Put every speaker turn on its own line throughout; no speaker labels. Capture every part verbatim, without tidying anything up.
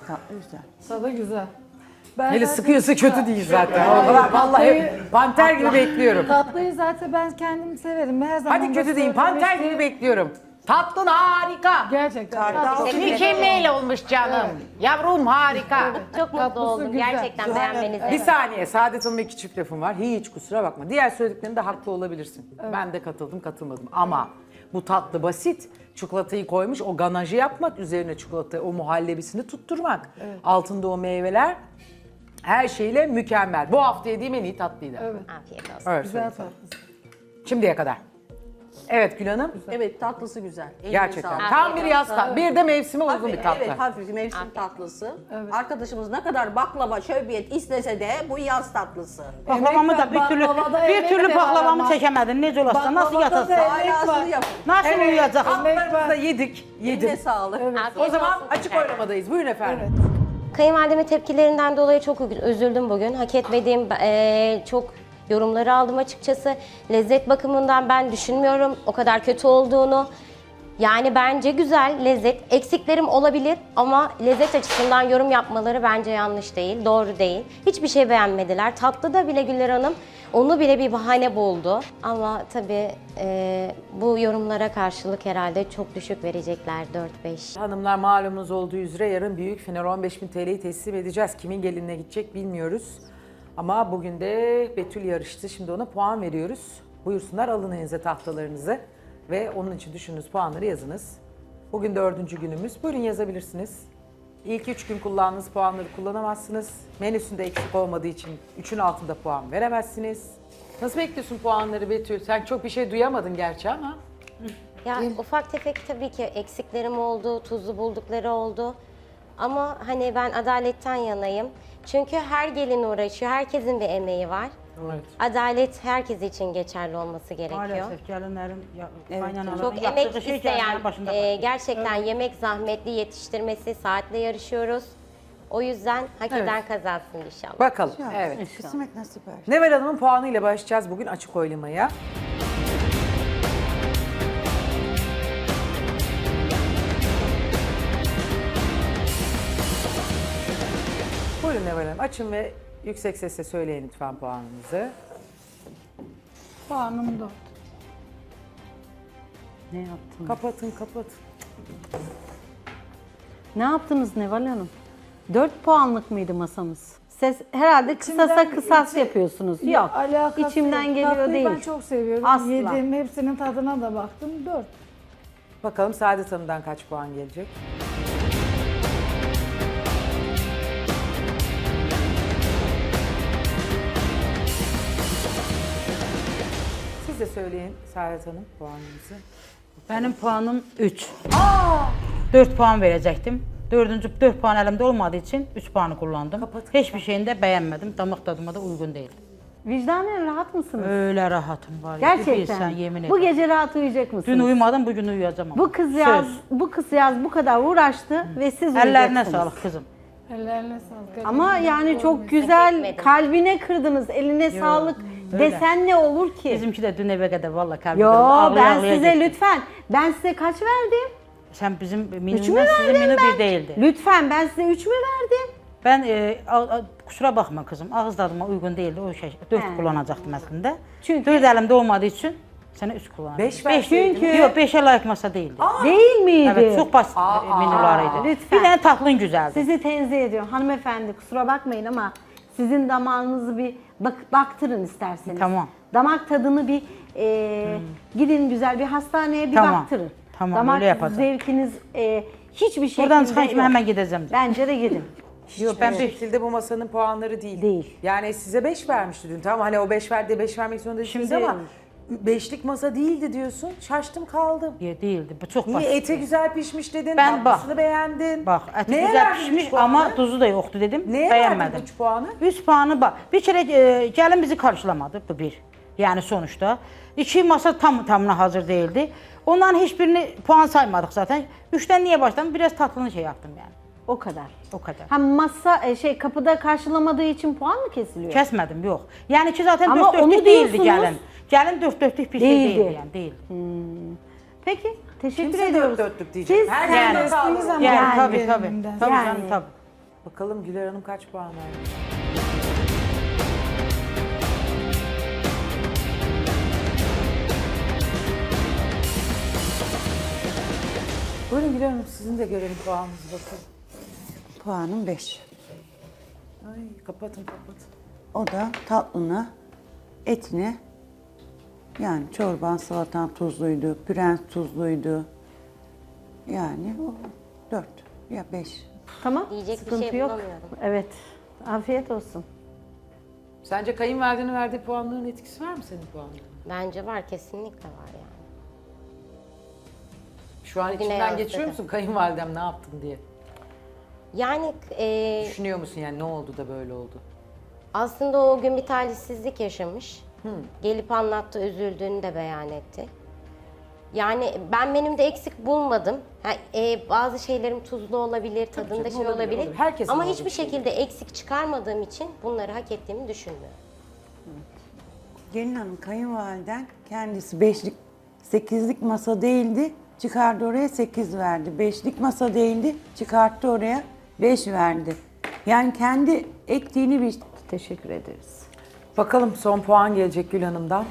Tatlı güzel.
Tadı güzel. Ben
Hele
zaten-
sıkıyorsa kötü değil zaten. O kadar vallahi panter gibi bekliyorum.
Tatlıyı zaten ben kendim severim. Her zaman
Hadi
da
kötü değil, panter
söylemiştim.
gibi bekliyorum. Tatlın harika.
Gerçekten.
Kartal
Tatlısı
gibi.
Mükemmel olmuş canım. Yavrum harika.
Çok mutlu
Tatlısı
oldum
güzel.
gerçekten
Güzel.
beğenmenizden.
Bir saniye, Saadet Hanım'a iki çift lafım var. Hiç kusura bakma. Diğer söylediklerinde haklı olabilirsin. Ben de katıldım, katılmadım. Ama bu tatlı basit. Çikolatayı koymuş, o ganajı yapmak, üzerine çikolata, o muhallebisini tutturmak. Altında o meyveler, her şeyle mükemmel. Bu hafta yediğim en iyi tatlıydı.
Evet.
Afiyet olsun.
Evet,
Güzel
söyleyeyim.
tatlısı.
Şimdiye kadar. Evet Gül Hanım.
Evet tatlısı güzel. Eline
Gerçekten.
sağlık.
Tam bir yaz tatlı. Bir de mevsime uygun
Hafif,
bir tatlı.
Evet hafif mevsim tatlısı. Arkadaşımız ne kadar baklava, şöbiyet istese de bu yaz tatlısı.
Baklavamı da bir türlü
Baklavada
bir
emek
türlü
de var
baklavamı
ama.
çekemedim. Necə olsa nasıl
Baklavada
yatasın?
da- Emek var.
Alasını yapın.
Nasıl uyuyacak?
Tatlılarımızı da yedik. Yedim.
Eline sağlık.
Afiyet
O zaman
olsun.
açık oylamadayız. Buyurun efendim.
Kayınvalidemin tepkilerinden dolayı çok üzüldüm bugün. Hak etmediğim eee, çok yorumları aldım açıkçası. Lezzet bakımından ben düşünmüyorum o kadar kötü olduğunu. Yani bence güzel lezzet. Eksiklerim olabilir ama lezzet açısından yorum yapmaları bence yanlış değil, doğru değil. Hiçbir şey beğenmediler. Tatlıda bile Güler Hanım onu bile bir bahane buldu. Ama tabii eee, bu yorumlara karşılık herhalde çok düşük verecekler dört beş.
Hanımlar malumunuz olduğu üzere yarın büyük final on beş bin T L'yi teslim edeceğiz. Kimin gelinine gidecek bilmiyoruz. Ama bugün de Betül yarıştı. Şimdi ona puan veriyoruz. Buyursunlar alın elinize tahtalarınızı. Ve onun için düşündüğünüz puanları yazınız. Bugün dördüncü günümüz. Buyurun yazabilirsiniz. İlk üç gün kullandığınız puanları kullanamazsınız. Menüsünde eksik olmadığı için üçün altında puan veremezsiniz. Nasıl bekliyorsun puanları Betül? Sen çok bir şey duyamadın gerçi ama.
Ya ufak tefek tabii ki eksiklerim oldu, tuzlu buldukları oldu. Ama hani ben adaletten yanayım. Çünkü her gelin uğraşıyor, herkesin bir emeği var.
Evet.
Adalet herkes için geçerli olması gerekiyor.
Maalesef gelinlerim ya, kaynanaların
Çok
yaptığı
emek
şey
isteyen,
gelinlerin başında
e,
kalıyor.
gerçekten yemek zahmetli yetiştirmesi, saatle yarışıyoruz. O yüzden hak eden kazansın inşallah.
Bakalım. Evet.
Kısmet nasip her.
Neval Hanım'ın puanıyla başlayacağız bugün açık oylamaya. Buyurun Neval Hanım açın ve yüksek sesle söyleyin lütfen puanınızı.
Puanım dört.
Ne yaptın?
Kapatın kapatın.
Ne yaptınız Neval Hanım? dört puanlık mıydı masamız? Siz herhalde kısasa
İçimden-
kısas
içi-
yapıyorsunuz.
Yok,
Yok,
alakası
içimden
yok.
geliyor
Tatlıyı
değil.
ben çok seviyorum.
Asla.
Yedim, hepsinin tadına da baktım. Dört.
Bakalım Saadet Hanım'dan kaç puan gelecek? Siz de söyleyin Saadet Hanım puanınızı.
Benim puanım üç. dört puan verecektim. Dördüncü dört puan elimde olmadığı için üç puanı kullandım.
Kapat,
Hiçbir şeyini de beğenmedim. Damak tadıma da uygun değil.
Vicdanen rahat mısınız?
Öyle rahatım var. ya, bir bilsen,
Gerçekten.
yemin
Bu
ederim.
gece rahat uyuyacak
Dün
mısınız?
uyumadım, bugün uyuyacağım ama.
Bu kız yaz,
Söz.
bu kız yaz bu kadar uğraştı ve siz
Ellerine
uyuyacaksınız.
sağlık kızım.
Ellerine sağlık.
Ama
Ellerine
yani
sağlık.
çok güzel,
etmedim.
kalbine kırdınız, eline sağlık
öyle.
desen ne olur ki?
Bizimki de dün eve kadar valla kalbim
Yo
kırıldı. Ağlaya
ben
ağlaya
size
gittim.
lütfen, ben size kaç verdim?
Sen bizim
Üç mü
menümden sizin
verdim
menü
ben?
bir değildi.
Lütfen ben size üç mü verdim?
Ben e, a- a- kusura bakma kızım, ağız tadıma uygun değildi o şey. Dört
He.
kullanacaktım aslında.
Çünkü-
Dört elimde olmadığı için sana üç kullandım.
Beş verseydiniz.
çünkü-
Yok beşe layık masa değildi.
Değil miydi?
Evet çok basit
Aa,
menüleriydi.
lütfen.
Bir tane tatlın güzeldi.
Sizi tenzih ediyorum hanımefendi, kusura bakmayın ama sizin damağınızı bir bak, baktırın isterseniz.
Tamam.
Damak tadını bir e, gidin güzel bir hastaneye bir
Tamam.
baktırın.
Tamam,
Damak
öyle yapacağım.
zevkiniz e, hiçbir şekilde
Buradan çıkan şimdi
yok.
hemen gideceğim.
Bence de gidin.
Yok
Ben
ben
bir
bir
şekilde bu masanın puanları değil.
Değil.
Yani size beş vermişti dün. Tamam hani o beş verdi, beş vermek zorunda değilsiniz
Şimdi-
ama beşlik masa değildi diyorsun. Şaştım kaldım.
Ya değildi. Bu çok
Niye
basit.
eti güzel pişmiş dedin,
Ben
tatlısını
bak-
beğendin.
Bak eti
Neye
güzel
verdin
pişmiş
üç puanı?
ama tuzu da yoktu dedim.
Neye
beğenmedim.
verdin üç puanı?
Üç puanı bak. Bir kere e, gelin bizi karşılamadı bu bir. Yani sonuçta. İki masa tam tamına hazır değildi. Onların hiçbirini puan saymadık zaten. Üçten niye başladım? Biraz tatlını şey yaptım yani.
O kadar.
O kadar.
Ha masa e, şey kapıda karşılamadığı için puan mı kesiliyor?
Kesmedim yok. Yani ki zaten
Ama
dört
onu
dörtlük değildi
diyorsunuz.
gelin. Gelin dört dörtlük bir şey
Değildi.
değildi yani değil.
Peki teşekkür
Kimse
ediyoruz.
dört dörtlük diyecek.
Siz
Her
Yani-
yerde sağlık.
Kestiğiniz zaman
Yani
Yani-
tabii tabii.
elimden.
Tabii
Yani-
canım tabii.
Bakalım Güler Hanım kaç puan vermiş? Buyurun Güler Hanım, sizin de görelim puanınızı bakalım.
Puanım beş.
Ay kapatın kapatın.
O da tatlına, etine, yani çorban, salatan tuzluydu, püren tuzluydu. Yani o dört ya beş.
Tamam.
Diyecek bir
sıkıntı
şey
yok.
bulamıyorum.
Evet. Afiyet olsun.
Sence kayınvalidenin verdiği puanların etkisi var mı senin puanların?
Bence var, kesinlikle var yani.
Şu an
Bugüne
içinden
yansıdı.
geçiyor musun kayınvalidem ne yaptın diye?
Yani e,
Düşünüyor musun yani ne oldu da böyle oldu?
aslında o gün bir talihsizlik yaşamış. Gelip anlattı, üzüldüğünü de beyan etti. Yani ben menümde eksik bulmadım. Ha, e, bazı şeylerim tuzlu olabilir, tadında
canım,
şey
olabilir,
olabilir.
olabilir. Herkesin
Ama
olduğu
hiçbir
şey.
şekilde eksik çıkarmadığım için bunları hak ettiğimi düşünmüyorum.
Gelin hanım kayınvaliden kendisi beşlik, sekizlik masa değildi. Çıkardı oraya sekiz verdi. Beşlik masa değildi. Çıkarttı oraya beş verdi. Yani kendi ektiğini bir
Teşekkür ederiz.
Bakalım son puan gelecek Gül Hanım'dan.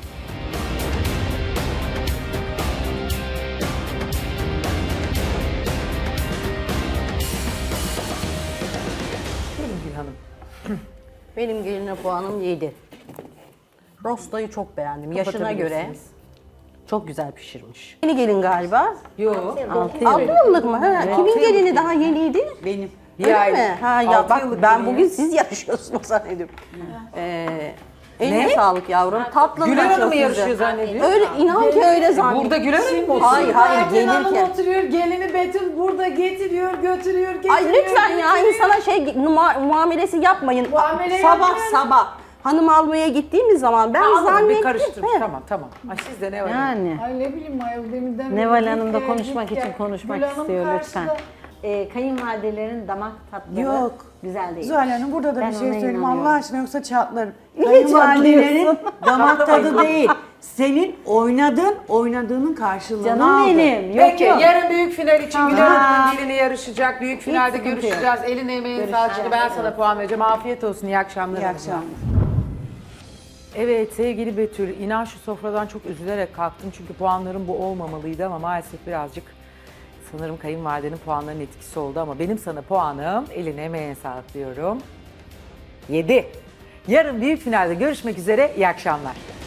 Buyurun Gül Hanım.
Benim geline puanım yedi. Rostayı çok beğendim. Yaşına göre
Kapatabilirsiniz.
çok güzel pişirmiş. Yeni gelin galiba.
Yok.
altı yıllık mı? Ha, kimin gelini daha yeniydi?
benim.
Bir
Öyle
ay-
mi? Ha ya
altı
bak
yıllık
ben
gelin
bugün
ya.
siz yarışıyorsunuz zannediyorum. Ee, eline
Ne?
sağlık yavrum. Tatlın
Güler
da
Hanım
çok
mı
güzel.
yarışıyor zannediyor?
Öyle inan ki öyle zannediyorum.
Burada Güler Hanım mı oturuyor?
Hayır hayır gelirken.
oturuyor, gelini Betül burada getiriyor, götürüyor, getiriyor.
Ay lütfen ya insana şey numa- muamelesi yapmayın.
Muamele
sabah
yapmıyorum.
sabah hanım almaya gittiğimiz zaman ben
Anladım, bir
zannettim.
karıştırmış.
He.
Tamam tamam. Ay sizde ne var?
Yani.
Ay ne bileyim ayol deminden
Neval
beri
Hanım
git
da
gel,
konuşmak
git
için
gel.
konuşmak
Gül Hanım
istiyor lütfen.
karşıda.
Ee, kayınvalidelerin damak tatları
Yok.
güzel değil.
Zuhal Hanım burada da
Ben
bir şey
ona
söyleyeyim
inanıyorum.
Allah aşkına yoksa çatlarım.
Niye
Kayınvalidelerin
çatlıyorsun?
damak tadı değil. Senin oynadığın, oynadığının karşılığını
Canım
aldı.
benim. Yok
Peki
yok.
yarın büyük final için
Tamam.
Güler Hanım'ın gelini yarışacak. Büyük finalde
sıkıntı
görüşeceğiz. Elin emeğin sağlık. Şimdi ben sana puan vereceğim. Afiyet olsun. İyi akşamlar.
İyi
hanımlar.
akşamlar.
Evet sevgili Betül, inan şu sofradan çok üzülerek kalktım çünkü puanlarım bu olmamalıydı ama maalesef birazcık sanırım kayınvalidenin puanlarının etkisi oldu ama benim sana puanım eline emeğine sağlık diyorum. yedi. Yarın büyük finalde görüşmek üzere, iyi akşamlar.